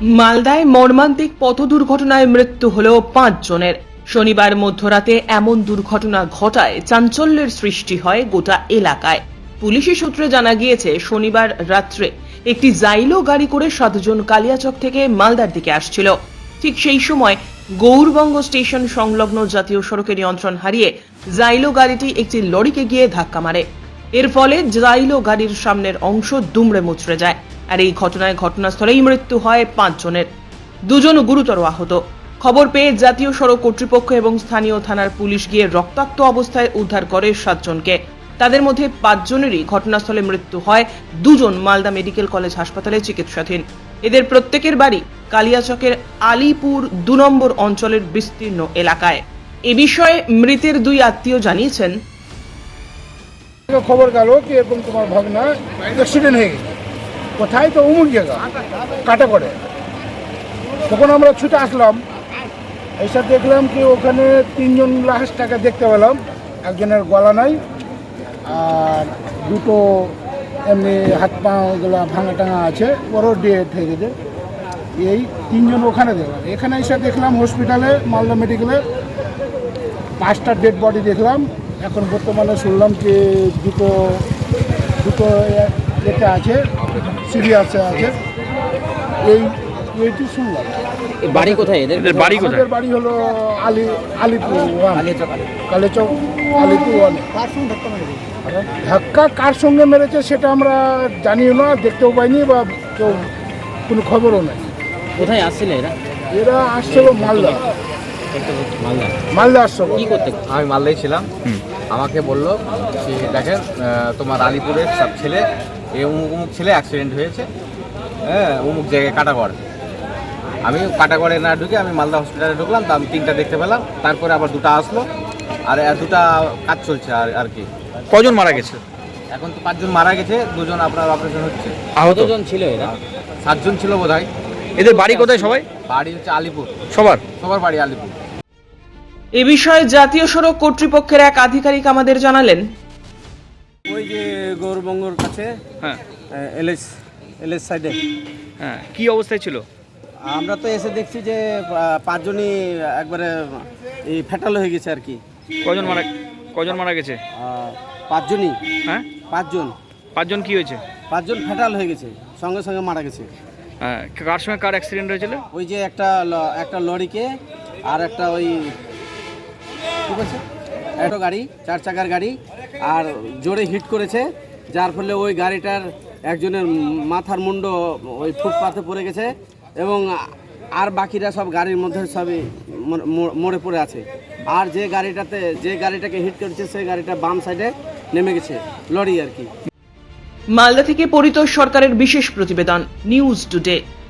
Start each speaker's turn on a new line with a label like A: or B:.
A: মালদায় মর্মান্তিক পথ দুর্ঘটনায় মৃত্যু হল 5 জনের। শনিবার মধ্যরাতে এমন দুর্ঘটনা ঘটায় চাঞ্চল্যের সৃষ্টি হয় গোটা এলাকায়। পুলিশি সূত্রে জানা গিয়েছে, শনিবার রাত্রে একটি জাইলো গাড়ি করে 7 জন কালিয়াচক থেকে মালদার দিকে আসছিল। ঠিক সেই সময় গৌরবঙ্গ স্টেশন সংলগ্ন জাতীয় সড়কে নিয়ন্ত্রণ হারিয়ে জাইলো গাড়িটি একটি লরিকে গিয়ে ধাক্কা মারে। এর ফলে জাইলো গাড়ির সামনের অংশ দুমড়ে মুচড়ে যায়। আর এই ঘটনায় ঘটনাস্থলেই মৃত্যু হয় 5 জনের, 2 জন গুরুতর আহত। খবর পেয়ে জাতীয় সড়ক কর্তৃপক্ষ এবং স্থানীয় থানার পুলিশ গিয়ে রক্তাক্ত অবস্থায় উদ্ধার করে 7 জনকে। তাদের মধ্যে 5 জনেরই ঘটনাস্থলে মৃত্যু হয়, 2 জন মালদা মেডিকেল কলেজ হাসপাতালে চিকিৎসাধীন। এদের প্রত্যেকের বাড়ি কালিয়াচকের আলিপুর 2 নম্বর অঞ্চলের বিস্তীর্ণ এলাকায়। এ বিষয়ে মৃতের 2 আত্মীয় জানিয়েছেন,
B: খবর গেল কি এরকম তোমার ভাগনা অ্যাক্সিডেন্ট হয়ে গেছে, কোথায় তো অমুক জায়গা কাটা করে। তখন আমরা ছুটে আসলাম, এসে দেখলাম কি ওখানে 3 জন লাশটাকে দেখতে পেলাম। একজনের গলা নাই, আর 2টো এমনি হাত পাগুলো ভাঙা টাঙা আছে, ওরও ডেথ হয়ে গেছে। এই 3 জন ওখানে দেখলাম। এখানে এসে দেখলাম হসপিটালে মালদা মেডিকেলে 5টা ডেড বডি দেখলাম। এখন বর্তমানে শুনলাম যে দুটো এটা আছে, সিরিয়াসে আছে। এইটি শুনলাম।
C: বাড়ি কোথায় এদের? বাড়ি কোথায়?
B: এদের বাড়ি হলো আলিপুর কালিয়াচক আলিপুর 1। ধাক্কা কার সঙ্গে মেরেছে সেটা আমরা জানিও না, দেখতেও পাইনি বা কেউ কোনো খবরও নাই।
C: কোথায় আসছিল এরা?
B: এরা আসছিল মালদা আসছিল।
C: কি করতে?
D: আমি মালদায় ছিলাম। আমাকে বললো যে দেখেন তোমার আলিপুরের সব ছেলে অমুক ছেলে অ্যাক্সিডেন্ট হয়েছে, হ্যাঁ অমুক জায়গায় কাটাগড়। আমি কাটাগড়ে না ঢুকে আমি মালদা হসপিটালে ঢুকলাম, তা আমি 3টা দেখতে পেলাম। তারপরে আবার 2টা আসলো, আর 2টা কাজ চলছে। আর কি
E: কজন মারা গেছে?
D: এখন তো 5 জন মারা গেছে, 2 জন আপনার অপারেশন হচ্ছে।
E: আহত
C: জন ছিল এরা?
D: 7 জন ছিল বোধহয়।
E: এদের বাড়ি কোথায় সবাই?
D: বাড়ি হচ্ছে আলিপুর,
E: সবার
D: বাড়ি আলিপুর।
A: এ বিষয়ে জাতীয় সড়ক কর্তৃপক্ষের এক আধিকারিক আমাদের জানালেন,
F: ওই যে গৌরবঙ্গর কাছে,
E: হ্যাঁ
F: এলএস সাইডে।
E: হ্যাঁ, কি অবস্থায় ছিল?
F: আমরা তো এসে দেখছি যে 5 জনই একবারে এই ফ্যাটাল হয়ে গেছে আর কি।
E: কজন মারা গেছে?
F: 5 জনই।
E: হ্যাঁ,
F: 5 জন।
E: 5 জন কি হয়েছে?
F: 5 জন ফ্যাটাল হয়ে গেছে, সঙ্গে সঙ্গে মারা গেছে।
E: হ্যাঁ, কার সঙ্গে কার অ্যাক্সিডেন্ট হয়েছিল?
F: ওই যে একটা লরিকে আর একটা ওই ঠিক আছে একটা গাড়ি, 4 চাকার গাড়ি, আর জোরে হিট করেছে, যার ফলে ওই গাড়িটার একজনের মাথার মুন্ড ওই ফুটপাথে পড়ে গেছে, এবং আর বাকিরা সব গাড়ির মধ্যে সবই মরে পড়ে আছে। আর যে গাড়িটাকে হিট করেছে সেই গাড়িটা বাম সাইডে নেমে গেছে, লরি আর কি।
A: মালদা থেকে পরিতোষ সরকারের বিশেষ প্রতিবেদন, নিউজ টুডে।